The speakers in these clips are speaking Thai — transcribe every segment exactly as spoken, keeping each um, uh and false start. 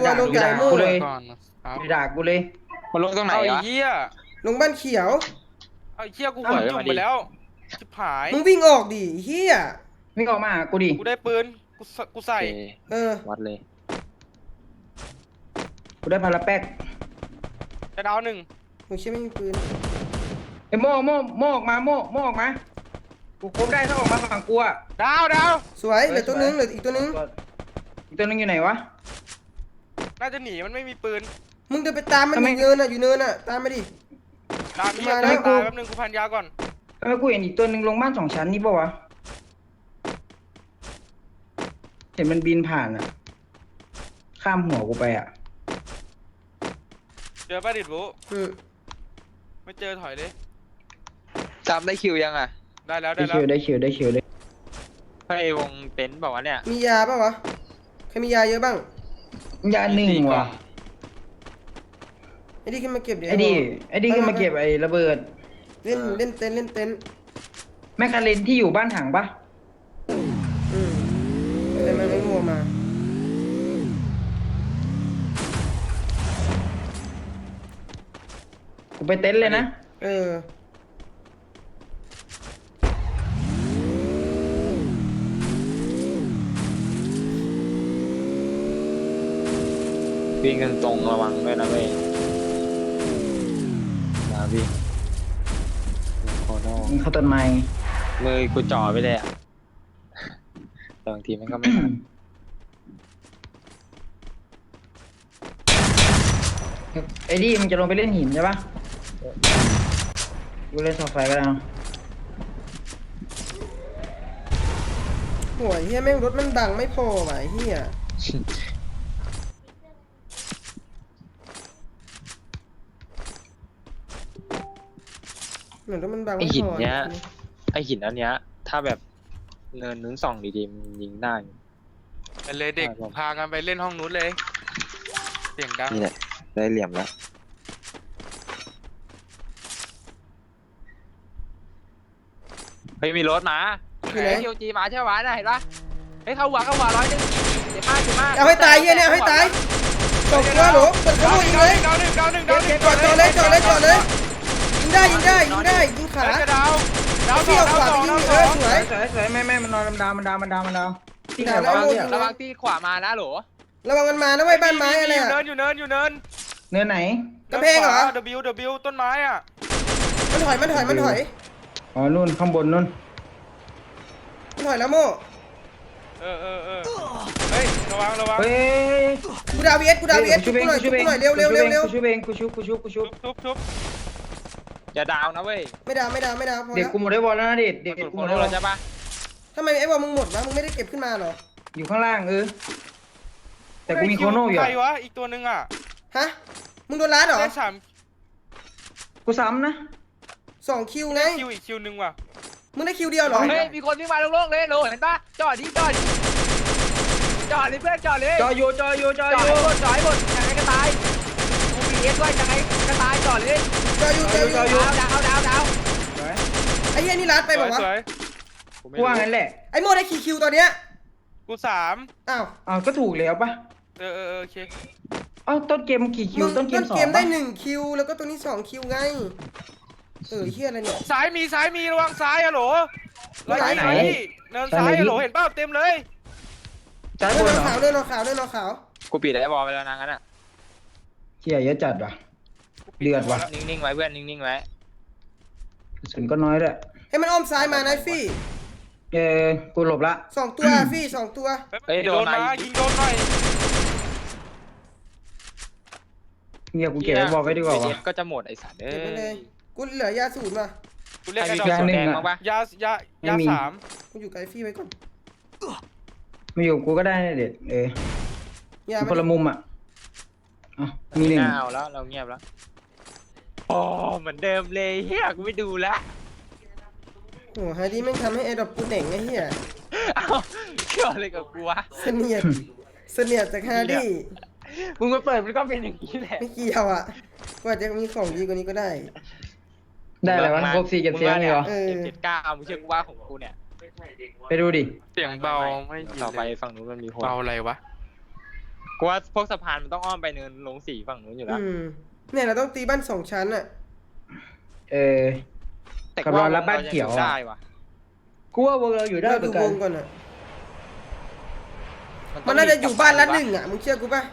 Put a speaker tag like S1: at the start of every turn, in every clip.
S1: อยลงไก่โม่เลย
S2: ไปด่ากูเลย
S3: มันลงตรงไหน
S4: เอาไอ้
S3: วะ
S4: เหี้ย
S1: ลงบ้านเขียว
S4: เอาไอ้เหี้ยกูหัวจุ่มไปแล้วชิบหาย
S1: มึงวิ่งออกดิเฮีย
S2: ไม่ออกมาหากูดิ
S4: กูได้ปืนกูใส่กูใส่
S1: เออ
S3: วัดเลย
S2: กูได้พาราแป๊ก
S4: จะดาวหนึ่ง
S1: มึงเชื่อไม่มีปืน
S2: ไอ้โม่โม่โม่ออกมาโม่โม่ออกมากูครบได้ถ้าออกมาฝั่งกูอะ
S4: ดาวดาว
S1: สวยเหลือตัวนึงเหลืออีกตัวนึง
S2: อีกตัวนึงอยู่ไหนวะ
S4: น่าจะหนีมันไม่มีปืน
S1: มึงเดินไปตามมันอยู่เนินอ่ะอยู่เนินอ่ะตามมาดิ
S4: ดาวนี่
S1: มา
S4: จะ
S1: แล้ว
S4: ตายแป๊บนึงกูพันยาก่อน
S2: เออกูเห็นอีกตัวนึงลงบ้านสองชั้นนี่ปะวะเห็นมันบินผ่านอะข้ามหัวกูไปอะ
S4: เจอป้าดิดบุ
S1: อืม
S4: ไม่เจอถอยเลย
S3: จำได้คิวยังอ่ะ
S4: ได้แล้ว
S2: ได้
S4: ได้แล้
S2: คิ
S4: ว
S2: วได้คิวได้คิวได้
S3: ไอวงเต็นท์บอกว่าเนี่ย
S1: มียาป่ะวะใครมียาเยอะบ้าง
S2: ยาหนึ่งว่ะ
S1: ไอ้ดิขึ้นมาเก็บเดี๋ยว
S2: ไอ้ดิไอ้ดิก็มาเก็บไอ้ระเบิด
S1: เล่นเล่นเต็นท์เล่นเต็นท์
S2: แมคคาเรนที่อยู่บ้านถังปะ
S1: อืมแต่มันไม่งัวมา
S2: กูไปเต็นท์เลยนะ
S1: เออ
S3: วิ่งกันตรงระวังด้วยนะเว้ยมาวิ่งโคโน่
S2: มึงเข้าต้นไม้
S3: มือกูจ่อไปเลยอ่ะแต่บางทีมันก็ไม่ทัน
S2: ไอ้ดิมึงจะลงไปเล่นหินใช่ปะกูเล่นเสาไฟก็ได้นะ
S1: โหยเฮียแม่งรถมันบังไม่พอว่ะไอ้เฮียเหมือนรถมันบัง
S3: ไอ
S1: ไม่
S3: หิน
S1: พอ
S3: เนี้ยไอหินอันเนี้ยถ้าแบบเนินนู้นส่องดีๆมันยิงได้
S4: ไปเลยเด็ก
S3: ได้ครับ
S4: พากันไปเล่นห้องนู้นเลย เสียงดัง
S3: นี่แหละได้เหลี่ยมแล้วเฮ้ยมีรถมา
S1: อยู่ไหน
S3: เคิวจีมาใช่ไหมน่ะเห็นปะเฮ้ยเข้าหัวเข้าหัวร้อยหนึงเจ็บมากเจ็บมาก
S1: เอาให้ตายเฮียเนี่ยเอาให้ตายตกตัวหนูเปิดข
S4: ดาว
S1: โมย
S4: ห
S1: ยิ
S4: นึ่
S1: ง
S4: ง
S1: เลย
S4: ดาวหนึ่งดาวหนึ่งดาวหนึ่งดาวหนึ่ง
S1: จอดจอดเลยจอดเลยจอดเลยยิงได้ยิงได้ยิงได้ยิงขา
S4: เฮ้ยจะดาวดาวส
S1: เที่
S4: อย ง
S1: ว
S4: ดาว
S1: ขวา
S4: ส
S1: ไป
S4: อง
S1: ยิ
S4: ดาง วสอง
S1: เออสวย
S2: สวยสวยไม่ไม่มันนอนดาวมันดาวมันดาวมันดาวที่ไหน
S1: ด่าแล้ว
S2: วะ
S1: โม่
S2: เนี่ย
S3: ระวังที่ขวามานะโหล
S1: ระวังมันมานะไว้ยบ้านไม้อะไร
S4: อยู่
S1: อ่ะ
S4: เนินอยู่เนินอยู่เนิน
S2: เนื้อไหน
S1: กำแพงเหรอ
S4: W W ต้นไม้อ่ะ
S1: มันถอยมันถอยมันถอย
S2: อ๋อนู่นข้างบนนู่น
S1: มันถอยแล้วโม่
S4: เออเออเออเฮ้ยระวังระวัง
S2: เฮ้ย
S1: กูดาวเอสกูดาวเอสชุบกูหน่อยชุบกูหน่อยเร็วเร็วเร็วเร็ว
S2: กูชุบเองกูชุบกูชุบกูชุ
S4: ชุ
S2: บบ
S4: ชุบชุบ
S3: อย่าดาวนะเว้ย
S1: ไม่ดาวไม่ดาวไม่ดาวพอ
S2: เด็ก
S1: แล้ว
S2: กูหมดได้บอลแล้วนะเด็กเด็ก
S3: มัน
S2: กู
S3: โค
S2: หมด
S3: โน่
S2: ได้บอล
S3: ใช่ปะ
S1: ทำไมไอ้บอลมึงหมดวะมึงไม่ได้เก็บขึ้นมาเหรอ
S2: อยู่ข้างล่างเออแต่กูมีโคโน่อยู่
S4: ใค
S2: อะ
S4: รวะอีกตัวหนึ่งอ่ะ
S1: ฮะมึงโดนล้าเหรอ
S4: ได้สาม
S2: กูซ้ำนะ
S1: สองคิวไง
S4: คิวอีกคิวหนึ่งว่ะ
S1: มึงได้คิวเดียวเหรอ
S3: เฮ้ยมีคนวิ่งมาโล่งๆเลยโหลเห็นปะจอดดิจอดดิจอดดิเพื่อนจอดเลย
S2: จออยู่จออยู่จอ
S3: จ
S2: อ
S3: อด
S2: ยู่
S3: ให้หมดจอดให้หมดยังไงก็ตายกูมีเอสด้วยยังไงก็ตายจอดเลย
S1: เจออยู่เจออยู่
S3: ดาวดาวดาวดาว
S2: สวย
S1: ไอ้เหี้ยนี่ล้าไปบอก
S4: ส
S1: ว่า
S4: วย
S2: กูว่างั้นแหละ
S1: ไอ้โม่ได้กี่คิวตอนเนี้ย
S4: กูสาม
S1: อ้าว
S2: อ้าวก็ถูกแล้วปะ
S4: เออเออเออโอเค
S2: อ้าวต้นเกมกี่คิ
S1: มึ
S2: ว
S1: ง
S2: ต้นเก
S1: ต้
S2: ม
S1: น
S2: สอง
S1: เกมได้
S2: ปะ
S1: หนึ่งคิวแล้วก็ตัวนี้สองคิวไงเออเฮียอะไรเนี่ย
S4: ซ้ายมีซ้ายมีระวังซ้ายอะโหล
S1: ซ้ายไหน
S4: เนินซ้ายอะโหลเห็นเปล่าเต็มเลย
S2: จ้า
S1: เดิ
S2: บ
S1: น
S2: น
S1: นอ
S2: เหรอ
S1: ขาวเดินนอขาวเดินนอขาว
S3: กูปิดไอ้บอลไปแล้วนะงั้นอ่ะ
S2: เฮียเยอะจัดว่ะ เดือดว่ะ
S3: นิ่งๆไว้เพื่อนนิ่งๆไว้
S2: กระสุนก็น้อยด้วย
S1: ให้มันอ้อมซ้ายมานะฟี่
S2: เออกูหลบละ
S1: สองตัวฟี่สองตัว
S3: เฮ้ยโด
S4: โด
S3: น
S4: น
S3: มา
S4: มายิงโดนหน่อย
S2: เฮียกูเก็บไว้บอกไว้ดีกว่า
S3: เอ
S2: วะ
S3: สก็จะหมดไอ้สัตว์เอ้
S1: เก็บไว้เลย
S3: ย
S1: กูเหลือยาสูตรมา
S4: กูเรียก
S3: ใคร
S4: ไอ้
S3: มี
S4: ดอก
S3: กระสุน
S2: หนึ่
S3: แด
S2: ง
S3: ง
S2: อะ
S3: บ้างปะ
S4: ยายายาสาม
S1: กูอยู่ไกลฟี่ไว้ก่อน
S2: มาอยู่กับกูก็ได้นะเด็ดเออย
S1: า
S2: คนละมุมอ่ะอ่ะมีหนึ่ง
S3: น่าเอาแล้วเราเงียบแล้วอ๋อเหมือนเดิมเลยเฮียกูไม่ดูแล้ว
S1: โอ้โหไฮดี้แม่งทำให้แอร์ดรอปกูเหน่งไอ้เหี้ย
S3: เอ้าเกี่ยวอะไรกับกูวะ
S1: เสนียดเสนียดจากฮาร์ดี้
S3: มึงมาเปิดมันก็เป็นอย่างนี้แหละ
S1: ไม่เกี่ยวอ่ะกว่าจะมีของดีกว่านี้ก็ได้
S2: ได้อะไรวะครบสี่เก็บเสียงเลยเหรอ
S1: เออ
S3: เก็บเจ็ดเก้ามึงเชื่อกูว่าของกูเนี่ย
S2: ไปดูดิ
S4: เสียงเบาไม่ยิน
S3: ต่อไป
S4: เลย
S3: ฝั่งนู้นมันมีคน
S4: เบาอะไรวะ
S3: กูว่าพวกสะพานมันต้องอ้อมไปเนินลงสีฝั่งนู้นอยู่แล้ว
S1: อืมเนี่ยเราต้องตีบ้านสองชั้นอ่ะ
S2: เออ
S3: แต่
S2: กับรอรับบ้านเขียวอะ
S3: ได้ว่ะ
S2: กูว่าวงเราอยู่ได้
S1: เรา
S2: เหมื
S1: ดู
S2: อนกั
S1: วน งก่อนอ่ะ
S3: ต้
S1: มั
S3: ง
S1: นน่าจะอยู่บ้านละห
S3: มี
S1: นึ่งอ่ะมึงเชื่อกูป่ะ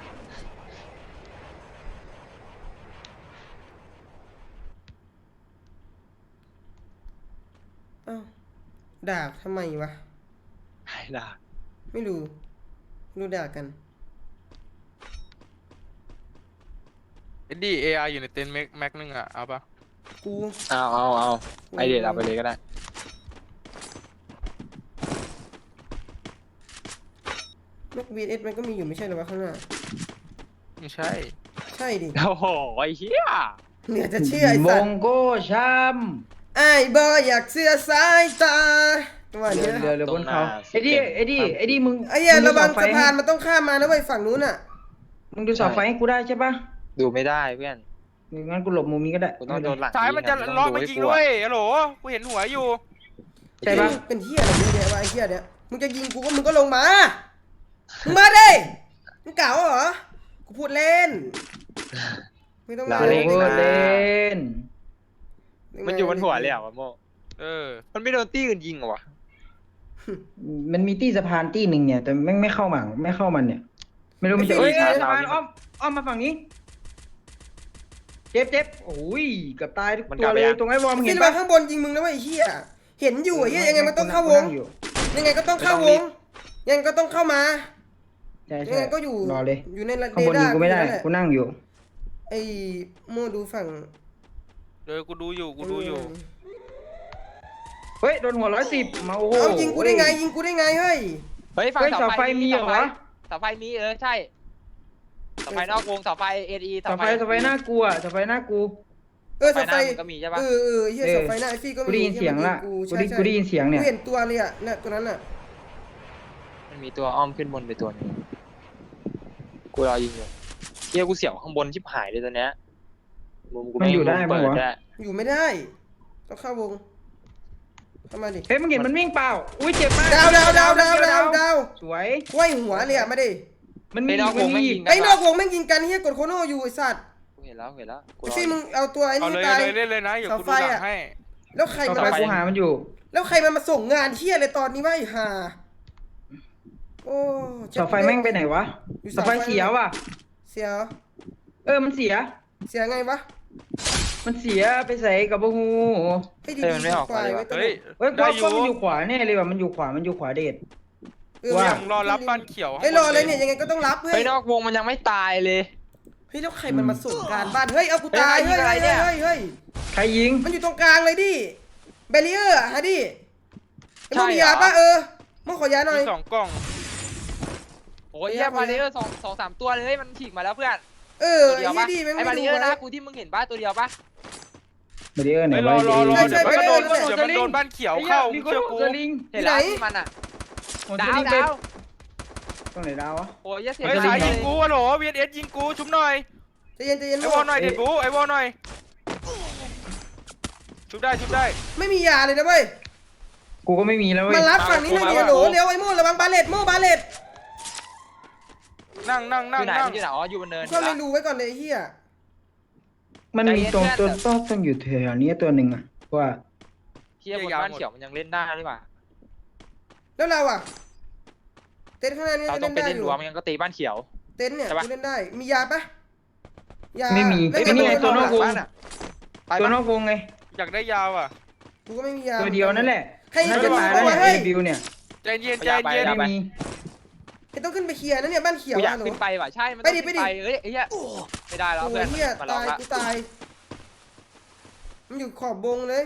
S1: อ้าวด่าทำไมวะ
S3: ไอ้ด่า
S1: ไม่รู้รู้ด่ากัน
S4: เอ็ดดี้เออาร์อยู่ในเต็นท์แม็กแม็กนึงอ่ะเอาปะ
S1: กู
S3: เอาเอาเอาไอเดียเอาไปเลยก็ได้
S1: แม็กวีเอสมันก็มีอยู่ไม่ใช่เหรอวะข้างหน้า
S4: ไม่ใช่
S1: ใช่ดิ
S3: โอ้โหไอ้เหี้ย
S1: เหนือจะเชื่อไอ้
S2: ม
S1: สัต
S2: ง
S1: ว์
S2: โก้ช้
S1: ไอ้บอยอยากเสื้อสายตาตัว
S2: ำ
S1: เนี้ย
S2: เรือเรือบนเขาไอ้ดิไอ้ดิไอ้ดิมึง
S1: ไอ้เหี้ย
S2: มึดู
S1: ระวัง
S2: เสาไฟ
S1: สะพานมันต้องข้ามมานะเว้ยฝั่งนู้นอ่ะ
S2: มึงดูเสาไฟให้กูได้ใช่ปะ
S3: ดูไม่ได้เพื่อน
S2: งั้นกูหลบมุมนี้ก็ได้
S3: กูต้องโดนหลัง
S4: ซ้ายมันจะ
S3: ง
S4: ล้อ
S3: ต้
S4: มา
S3: ให้
S4: ยิง
S3: กู
S4: ด้ว
S3: อะ
S4: ยฮัลโหลกูเห็นหัวอยู่
S2: ใช่ปะ
S1: เป็นเหี้ยอะไรเยอะแยะวะไอ้เหี้ยเนี้ยมึงจะยิงกูก็มึงก็ลงมามึงมาดิมึงเก่าเหรอกูพูดเล่นไม่ต้องมา
S2: โอเวอร์เล่น
S3: มันอยู่บนหัวเลยเหรอ่ะโม
S4: เออ
S3: มันไม่โดนตี้อื่นยิงเหรอวะ
S2: มันมีตี้สะพานตี้หนึ่งเนี่ย แต่แม่งไม่เข้ามาไม่เข้ามันเนี่ย ไม่รู้มันจะ
S3: เฮ้
S2: เอ้
S3: ย
S2: ยสะพานอ้อมอ้อมมาฝั่งนี้ เจ็บเจ็บโอ้ยเกือบตายทุกตัวเลยตรงไอ้วอร์ม
S1: มึง
S2: เห็
S1: เห็
S2: น
S1: น
S2: ปะ
S1: ปะข้างบนยิงมึงนะเว้ยไอ้เหี้ยเห็นอยู่ไอ้เหี้ยยังไงมันต้องเข้าวง
S2: นั่อยู่
S1: ยังไงก็ต้องเข้าวงยังไงก็ต้องเข้ามา
S2: ใช่
S1: ยัง
S2: ใช่
S1: ไงก็อยู่
S2: รอเลย
S1: อยู่ในเร
S2: ข้างบนยิงกูไม่ได้
S1: ดาร์
S2: กูนั่งอยู่
S1: ไอ้โมดูฝั่ง
S4: เออกูดูอยู่กูดูอยู่
S2: เฮ้ยโดนหัวร้อยสิบมาโอ้โห
S1: เอายิงกูได้ไงยิงกูได้ไงเฮ้ย
S3: เฮ้ยฝั่ง
S2: เฮ้ย
S3: เสา
S2: เสาไฟ
S3: ไฟ
S2: มีเหรอวะ
S3: เสาไฟมีเออใช่เสาไฟนอกวงเสาไฟเอดี
S2: เสาไฟเสาไฟหน้ากูอ่ะเสาไฟหน้ากู
S1: เออเสาไฟ
S3: มันก็มีใช่ปะ
S1: เออเออเฮีย
S2: เออ
S1: เสาไฟหน้าไอฟี่ก็มี
S2: กูได้ยินเสียงละ
S1: กู
S2: กู
S1: ใช่
S2: ได้
S1: ใช่
S2: กูได้ยินเสียงเนี่ย
S1: กูเห็นตัวเลยอ่ะเนี่ยตัวนั้นอ่ะ
S3: มันมีตัวอ้อมขึ้นบนไปตัวหนึงกูรอยิงอยู่เฮียกูเสียวข้างบนชิบหายเลยตัวเนี้ยมุมกู
S2: มันอยู่ได้
S3: เปิ
S2: ปะ
S3: ด
S2: วะ
S3: ได้
S1: อยู่ไม่ได้ต้องเข้าวงเข้ามาดิ
S2: เฮ้ยมึงเห็นมันวิ่งเปล่าอุ้ยเจ็บมาก
S1: ดาวดาวดาวดาวดาวดาว
S2: สวย
S1: ไว้หัวเลยอ่ะมาดิ
S2: มันมี
S3: ไอ้นอกว
S2: มัน
S3: งไม่
S2: มี
S3: ยิง
S1: ไอ้
S3: ได้
S1: นอก
S3: ปะ
S1: วงแม่งยิงกันเฮียกดโคโน่อยู่ไอ้สัตว์
S3: กูเห็นแล้วเห็นแล้วกู
S1: ไอ้
S3: รอ
S1: ฟี่
S3: อยู่
S1: มึงเอาตัวไอ้
S4: เอา
S1: นี่
S4: เลย
S1: ตาย
S4: เลยเล่นเลยนะอย่ากูดูหลังให้
S1: แล้วใคร
S2: ต่อ
S1: มา
S2: ไปกูหามันอยู่
S1: แล้วใครมันมาส่งงานเฮียอะไรตอนนี้วะไอ้ห่าโอ้เจ็บ
S2: เสาไฟแม่งไปไหนวะ
S1: อยู่
S2: เสาไฟเสียว่ะ
S1: เสีย
S2: เออมันเสีย
S1: เสียไงวะ
S2: มันเสียไปใส่กับบูฮู
S1: ให้ดี
S3: เออมันไม่ออก
S1: ๆควายไว้ตัว
S4: เฮ้ย
S2: เฮ้ยกู
S4: ได้
S2: ว่า
S4: อยู่
S2: มันอยู่ขวาแน่เลยว่ะมันอยู่ขวามันอยู่ขวาเดช
S1: เออ
S2: ว่า
S4: ยังรอรับบ้านเขียว
S1: ไอ้ยรอเลยเนี่ยยังไงก็ต้องรับเฮ้
S3: ไอ้
S1: ย
S3: นอกวงมันยังไม่ตายเลย
S1: เฮ้ยแล้วใครมันมาส่งการบ้านเฮ้ยเอากูตาย
S3: เฮ้
S1: เฮ้
S3: ย
S1: ย
S3: ใครยิงอะไร
S1: เฮ้ย
S3: เนี่ย
S1: เฮ้ยเฮ้ย
S2: ใครยิง
S1: มันอยู่ตรงกลางเลยดิเบรีเออร์อะฮะดิไอ้
S3: ใช่
S1: มึงมี
S3: เหรอ
S1: ยาป่ะเออมึงขอยาหน่อย
S4: มีสองกล่อง
S3: โอ้ยเฮียบาริเออร์สองสองสามตัวเลยมันฉีกมาแล้วเพื่อน
S1: เออ
S3: ตัวเดียว
S1: ไอ้
S3: ปะ
S1: เหี้ยดิแม่ง
S3: ไอ้
S1: ไม่
S3: บาริ
S1: ดู
S3: เออร์นะ
S1: วะ
S3: กูที่มึงเห็นป่ะตัวเดียวปะ
S2: เบรีเออร์ไหน
S4: เฮ้ยร
S2: วะ
S4: อรอรอ
S1: ใช่
S4: เดี๋ยว
S1: ใช่
S4: มันก็โดน
S1: ไปเลย
S4: เดี๋ยวมันโดนบ้านเขียวเข้า
S2: มี
S4: เชื่อกู
S2: สลิง
S3: เห็นแล้ว
S1: ที่ไหน
S3: ที่มันอ่ะ
S2: หัวส
S3: ดาว
S2: ลิงไป
S3: ดาว
S2: ตรงไหนดาววะ
S3: โอ้ยเหี้ยเสีย
S4: เฮ้ย
S3: ใจ
S4: สาย
S3: เล
S4: ยิ
S3: ย
S4: งกูฮัลโหลวีเอสยิงกูชุบหน่อย
S1: ใจเย็นใจเย็น
S4: ไอ้วอลหน่อย
S2: เอ้ย
S4: เด็ดกูไอ้วอลหน่อยชุบได้ชุบได้
S1: ไม่มียาเลยนะเว้ย
S2: กูก็ไม่มีแล้วเว้ย
S1: มารับฝั่งนี้หน่อยดิโหลเร็วไอ้โม่ระวังบาเลตโม่บาเลต
S4: นั่งนั่ง
S3: อ
S4: นั่ง
S3: ยู่ไหน
S4: นั่ง
S3: อยู่ไหนอ๋ออยู่บนเนิน
S1: ก็เลยดูไว้ก่อนเลยไอ้เฮีย
S2: มันมีตรงตัวต้องต้องอยู่แถวนี้ตัวหนึ่งอะว่า
S3: เฮียบนบ้านเขียวมันยังเล่นได้หรือเปล่า
S1: แล้วเราอ่ะเต็นท์ข้างหน้านี่
S3: เรา
S1: ก็
S3: ต้อง
S1: เล่น
S3: ไป
S1: ได้
S3: เล่น
S1: อ
S3: ร
S1: ยู่
S3: วมงั้นก็ตีบ้านเขียว
S1: เต็นท์เนี่ย
S3: ใช่ปะ
S1: กูเล่นได้มียาปะยา
S2: ไม่มี
S1: แล้ว
S2: ไอ้นี่ไง
S1: โด
S2: ตัวนอกวง
S3: บ้านอะไป
S2: ตัวน
S3: ปะ
S2: อกวงไง
S4: อยากได้ยาวอ่ะ
S1: กูก็ไม่มียา
S2: ตัวเดียวนั่นแหละ
S1: ให้
S2: น่าจะตายแล้ว
S1: ให้
S2: เนี่ย
S1: ให้
S2: ไอ้บิวเนี่ย
S4: ใจเย็นใจเย็น
S2: ไม่มี
S1: ไอ้ต้องขึ้นไปเคลียร์นะเนี่ยบ้านเขียว
S3: กูอยาก
S1: อะหนู
S3: ขึ้นไปว่ะใช่มัน
S1: ไป
S3: ต้อง
S1: ดิ
S3: ขึ้น
S1: ไป
S3: ไป
S1: ดิ
S3: เอ้ยไอ้เหี้ยไม่ได้แล้ว
S1: โอ้
S3: เพื่อน
S1: ยเฮีย
S3: มาลอ
S1: ตาง ย
S3: ละ
S1: กูตายมันอยู่ขอบบงเลย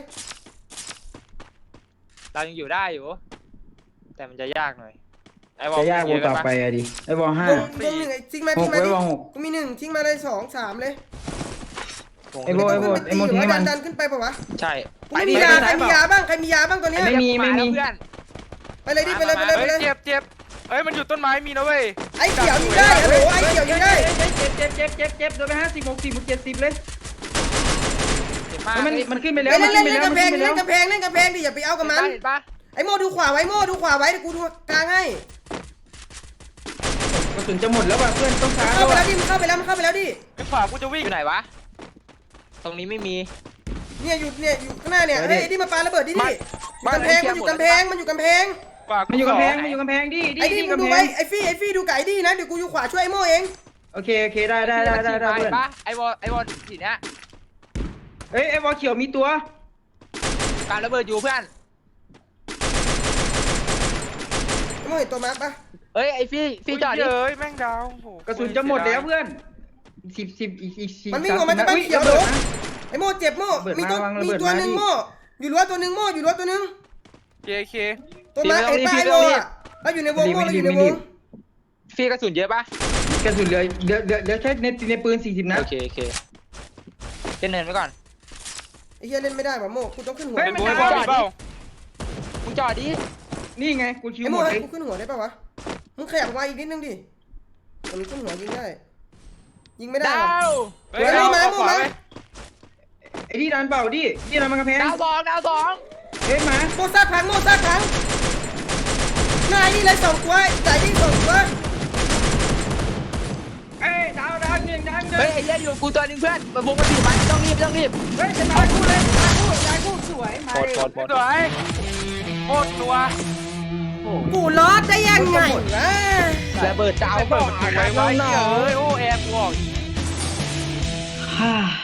S3: เรายังอยู่ได้อยู่ แต่มันจะยากหน่อยไอ้วอล
S2: จะยากว
S3: เย
S2: ง
S3: อะ
S2: ต่อ
S3: ปะ
S2: ไปอะดิไอ้วอลห้าว
S1: งวงหนึ่งไอ้ทิ้งมา
S2: ห
S1: ทิ้
S2: ก
S1: งมา
S2: ไว้
S1: ดิ
S2: วอลหก
S1: กูมีหนึ่งทิ้งมาเลยสองสามเลย
S2: ไอ้โบไอ้โบไอ้โมทิ้งให้มัน
S1: ดันขึ้นไปปะวะ
S3: ใช่
S1: กูไม่มียาใครมียาบ้างใครมียาบ้างตอนเนี้ย
S2: ไม่มีไม่มี
S3: เพื่อน
S1: ไปเลยดิไปเลยไปเลยไป
S4: เฮ้ย
S1: เลย
S4: เจ็บเจ็บเฮ้ยมันอยู่ต้นไม้มีนะเว้ย
S1: ไอ้เขียวยิงได้ฮัลโหลไอ้เขียวยิงได้
S2: เจ็บเจ็บเจ็บเจ็บเจ็บโดนไปห้าสิบหกสิบเจ็ดสิบเลย
S3: เห็นปะ
S2: มันมันขึ้นไปแล้ว
S1: เล่น
S2: มัน
S1: เล่
S2: ขึ้
S1: น
S2: นไป
S1: เล่น
S2: แล้ว
S1: กำ
S2: มัน
S1: แพง
S2: ขึ้นไปแล้ว
S1: เล่นกำแพงเล่นกำแพงดิอย่าไปเอากับมัน
S3: เห็นปะ
S1: ไอ้โมดูขวาไว้โมดูขวาไว้เดี๋ยวกูดูกลางให้
S2: เระสุนจะหมดแล้วว่ะเพื่อนต้องชาร์จ
S1: เข้าไป
S2: แล้
S1: แล้ว วดิมันเข้าไปแล้วมันเข้าไปแล้วดิ
S4: ไอ้ขวากูจะวิ่ง
S3: อยู่ไหนวะ ตรงนี้ไม่มี
S1: เนี่ยอยู่เนี่ยอยู่ข้างหน้าเนี่ยเฮ้ยไอ้ดิมาปาระเบิดดิดิกำแพงมันอยู่กำแพงมันอยู่กำแพง
S4: ขวา
S2: มันอยู่กำแพง
S4: ส
S2: มันอยู่กำแพงดิดิ
S1: ไอ้ดิ
S2: ดิ
S1: มึง
S2: กำ
S1: ดู
S2: แพ
S1: ไว้
S2: ง
S1: ไอ้ฟี่ไอ้ฟี่ดูไก่ดินะเดี๋ยวกูอยู่ขวาช่วยไอ้โม่เอง
S2: โอเคโอเคได้ได้ได้ได้ได้
S3: เห็
S2: เพื่อน
S3: นปะไอ้บอลไอ้บอลสีเนี้ย
S2: เอ้ยไอ้วอลเขียวมีตัว
S3: การระเบิดอยู่เพื่อน
S1: ไอ้โม่เห็นตัวมาร์คปะ
S3: เฮ้ยไอ้ฟี่ฟี่จอดดิ
S4: เฮ้ยแม่งดาวโอ้โห
S2: กระสุนจะหมดแล้วเพื่อนสิบสิบอีกอีกสี่
S1: มันวิ่งออกมาจากบ้านเขียว
S2: เบิ
S1: เดี๋ยว
S2: ดนะ
S1: ไอ้โม่เจ็บโม่
S2: ระเบิด
S1: มีตัว
S2: มาวางระ
S1: มี
S2: เบิด
S1: ตัว
S2: มา
S1: หนึ่ง
S2: ดิ
S1: โม่อยู่รั้วตัวหนึ่งโม่อยู่รั้วตัวหนึ่ง
S4: เคเค
S1: ตัวมาร์คไอ้ป้ายโม่อะเราอยู่ในวงโม่เราอยู่ในวง
S3: ฟี่กระสุนเยอะปะ
S2: กระสุนเหลือเหลือเหลือเหลือแค่ในในปืนสี่สิบนัด
S3: โอเคโอเคเล่นเนินไว้ก่อน
S1: ไอ้เหี้ยเล่นไม่ได้ว่ะโม่กูต้องขึ้นหัว
S2: เฮ้ย
S4: เป็น
S2: มัน
S4: โบ
S2: ดาว
S4: ยบอลเปล่า
S3: มึงจอดดิ
S2: นี่ไงกูชิว
S1: ไอ้
S2: หม
S1: โม่
S2: ดเล
S1: ให้
S2: ย
S1: กูขึ้นหัวได้ปะวะมึงขยับมาอีกนิดนึงดิมันขึ้นหัวยิงได้ยิงไม่ได้
S3: ดา
S1: ว่ะ
S3: ว
S4: เฮ้ยเอาเอาขวาไป
S2: ไอ้ที่ดันเปล่าดิที่ดันมันกระแพง
S3: ดาวสองดาวสอง
S2: เฮ้ยมา
S1: โม่ซากพังโม่ซากพังนายนี่เลยสองตัวไก่นี่สองตัว
S2: เอ้ยดาวดาวหนึ่งดาวหนึ่ง
S3: เฮ้ยไอ้เหี้ยอยู่กูตัวหนึงเพื่อนมาวงมาสี่มันต้องรีบต้องรีบ
S2: เฮ้ยจะตายคู่เลยตายคู่ตายคู่สวยมา
S3: โคตร
S2: เลย
S3: โคตรโคตร
S4: สวยโคตรนัว
S2: โอ้
S1: กูรอดได้ยังไงวะ
S3: ระเบิดดาว
S4: ไอ้บอกอะไรไว้เฮ้ยโอ้แอร์กูออก
S2: ฮ่า